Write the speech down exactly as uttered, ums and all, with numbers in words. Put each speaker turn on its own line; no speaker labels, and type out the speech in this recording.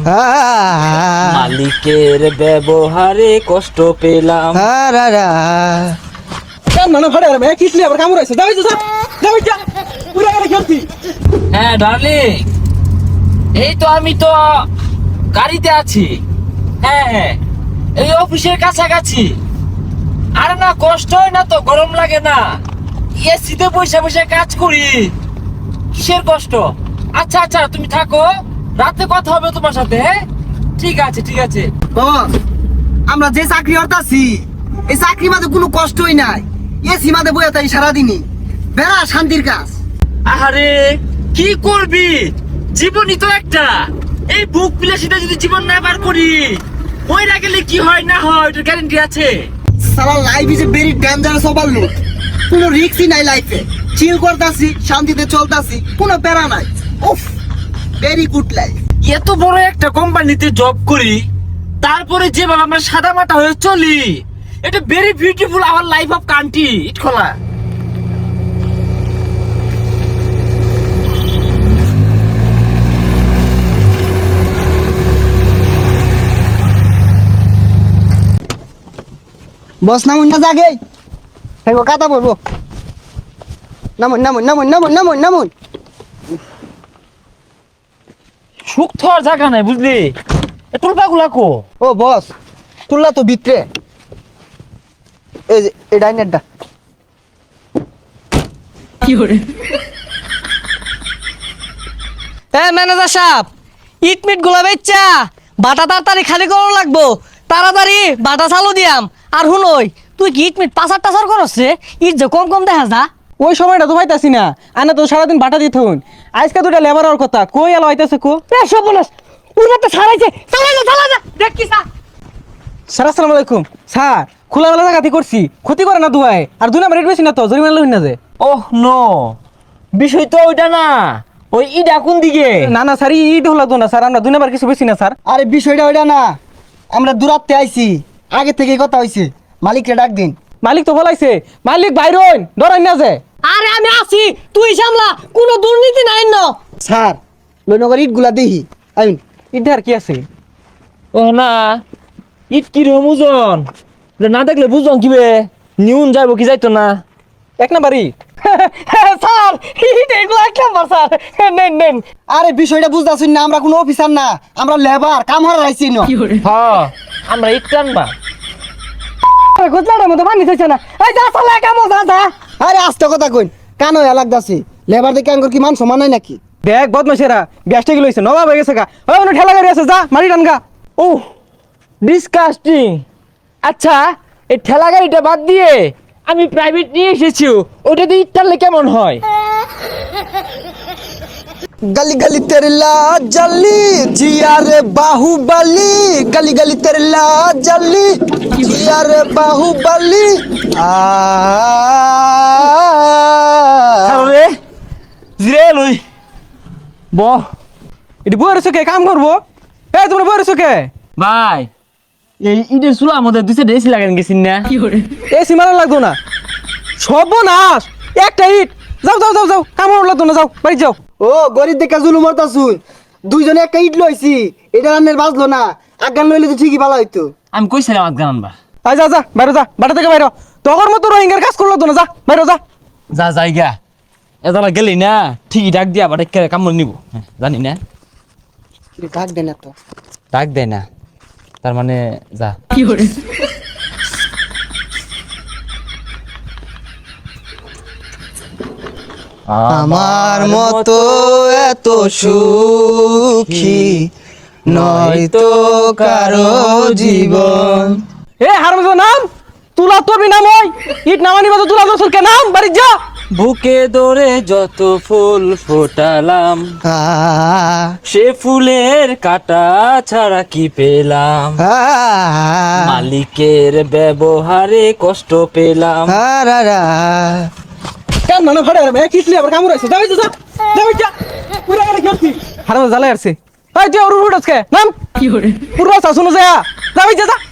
মালিকের ব্যবহারে কষ্ট পেলাম। হ্যাঁ ডার্লিং, এই তো আমি তো গাড়িতে আছি। হ্যাঁ হ্যাঁ, এই অফিসের কাছাকাছি। আরে না, কষ্ট হয় না তো, গরম লাগে না, এসিতে বসে বসে কাজ করি, কিসের কষ্ট? আচ্ছা আচ্ছা, তুমি থাকো, রাতে কথা হবে তোমার সাথে। হ্যাঁ ঠিক আছে ঠিক আছে।
বস, আমরা যে চাকরি করতাছি এই চাকরি মাঝে কোনো কষ্টই নাই। এসি মাঝে বইয়া তাই সারাদিনই বেড়া শান্তির কাজ।
আরে কি করবি, জীবনই তো একটা। এই বুক বিলাসিতা যদি জীবন না বার করি, মইরা গেলে কি হয় না হয় ওটার গ্যারান্টি আছে?
সারা life is a very dangerous overload. কোনো রিস্কই নাই লাইফে। চিল করতাছি, শান্তিতে চলতাছি, কোনো প্যারা নাই। উফ, ভেরি গুড লাইফ।
এত বড় একটা কোম্পানিতে জব করি, তারপরে যেভাবে আমরা সাদা মাটা হয়ে চলি, এটা very beautiful our life of country. ইট খোলা
বস নামুন না জাগে, হেগো কাতা বলবো। নামুন নামুন নামুন নামুন নামুন নামুন।
সুখ তো আর জায়গা নাই, বুঝলি? টুলপা গুলা কো?
ও বস, তুললা তো ভিতরে। এই যে এই ডাইনেরটা।
কি করে?
এ ম্যানেজার সাহেব, ইট মিট গুলা বেচ্চা বাটা তাড়াতাড়ি খালি করা লাগবো। তাড়াতাড়ি বাটা চালু দিয়াম। আর হুনই, তুই কি ইট মিট পাচার টাচার করছ রে? ইট যে কম কম দেখা যা।
ওই সময়টা তো পাইতাছি না, আনা তো সারাদিন বাটা দিতে হন। আজকে দুটা লেবার আর কথা কই এলো হইতাছে কো?
এ সব বলস, উড়াতে ছাড়াইছে। চালাই যা চালাই যা, দেখ কি সা।
স্যার আসসালামু আলাইকুম। স্যার খোলামেলা জায়গাতে করছি, ক্ষতি করে না দুয়াই। আর দুই নাম্বার রেট বেশি না তো, জরিমানা লইন না যে।
ওহ নো, বিষয় তো ওইটা না। ওই ইডা কোন দিকে?
না না স্যার, ইট হলো তো না স্যার, আমরা দুই নাম্বার কিছু বেশি না স্যার।
আরে বিষয়টা ওইটা না, আমরা দূরাত্তে আইছি, আগে থেকেই কথা হইছে। মালিককে ডাক দিন।
মালিক তো বলাইছে, মালিক বাইরন ডরাই না যে।
আরে আমি আছি, তুই সামলা, কোনো দুর্নীতি নাই ন।
স্যার লইনগর ইটগুলা দেখি আইন।
ইট আর কি আছে?
ও না, ইট কি রকম ওজন? না দেখলে বুঝলাম কিবে নিউন যাইব কি যাইতো না।
এক নাম্বার ইট।
স্যার ইট এগুলো এক নাম্বার স্যার, নেন নেন।
আরে বিষয়টা বুঝতাছুন না, আমরা কোনো অফিসার না, আমরা লেবার, কাম হারা রাইছি না।
কি করে?
হ্যাঁ, আমরা ইট টানবা।
গোজলার মতো পানি খাইছে না। এই যা চালা কামো যা যা।
আরে আস্তে কথা কইন, কান হয়ে লাগতাছে। লেবার দেখে আঙ্গুর কি মান সমান নাই নাকি?
দেখ বদমাইশেরা, গ্যাসটা কি লইছে, নবাব হয়ে গেছে গা। ওই ওখানে ঠেলা গাড়ি আছে, যা মারি টান গা।
ও ডিসকাস্টিং। আচ্ছা, এই ঠেলা গাড়িটা বাদ দিয়ে আমি প্রাইভেট নিয়ে এসেছি, ওটা দিয়ে ইট টানলে কেমন হয়?
गली गली तेरे ला जली जिया रे बाहुबली, गली गली तेरे ला जली जिया रे बाहुबली।
রে জিরে লই ব।
এটি বইয়ের চোখে কাম করবো? এই তোমরা বইয়ের চোখে
ভাই, এই ইটের চুলা আমাদের দুই সাইডে এসি লাগান গেছিন না?
কি করে?
এই সীমানা লাগতো না, সর্বনাশ। একটা ইট, যাও যাও যাও যাও, কাম লাগতো না, যাও বাড়ি যাও।
ও গরিব দেখে জুলুম করতাছুন, দুইজনে একটা ইট লইছি, এটা রান্নের বাজলো না, আগান লইলে তো ঠিকই ভালো হইতো।
আমি কইছিলাম আজগান আনবা।
আয় যা যা বাইরে যা, বাটা থেকে বাইরে। তখন মতো রোহিঙ্গার কাজ করলো তো না, যা বাইরে যা।
যা জায়গা এদালা গেলি না, ঠিকই ডাক দিয়া বাটে কামড় নিব। হ্যাঁ, জানি না
ডাক দেন তো,
ডাক দেয় না, তার মানে যা।
কি করে?
আমার মতো এত সুখী নয়তো কারো জীবন।
এ হারমজাদা নাম, তুলা তোরবি নাম, ওই ইট নামানি বাজো, তুলা তোর কে নাম, বাড়ি যা।
বুকে দরে যত ফুল ফোটালাম, সে ফুলের কাটা ছাড়া কি পেলাম? মালিকের ব্যবহারে কষ্ট পেলাম।
কেন মানে ফাড়ে আরে কিসলি আবার কামড় আছে, যাই যা যাই যা। পুরা গাড়ি খেলছি, হারমজাদা জ্বালাই আসছে। এই যে ওর উড়ছকে নাম
কি করে?
পুরা শাসন যা, যাই যা যা।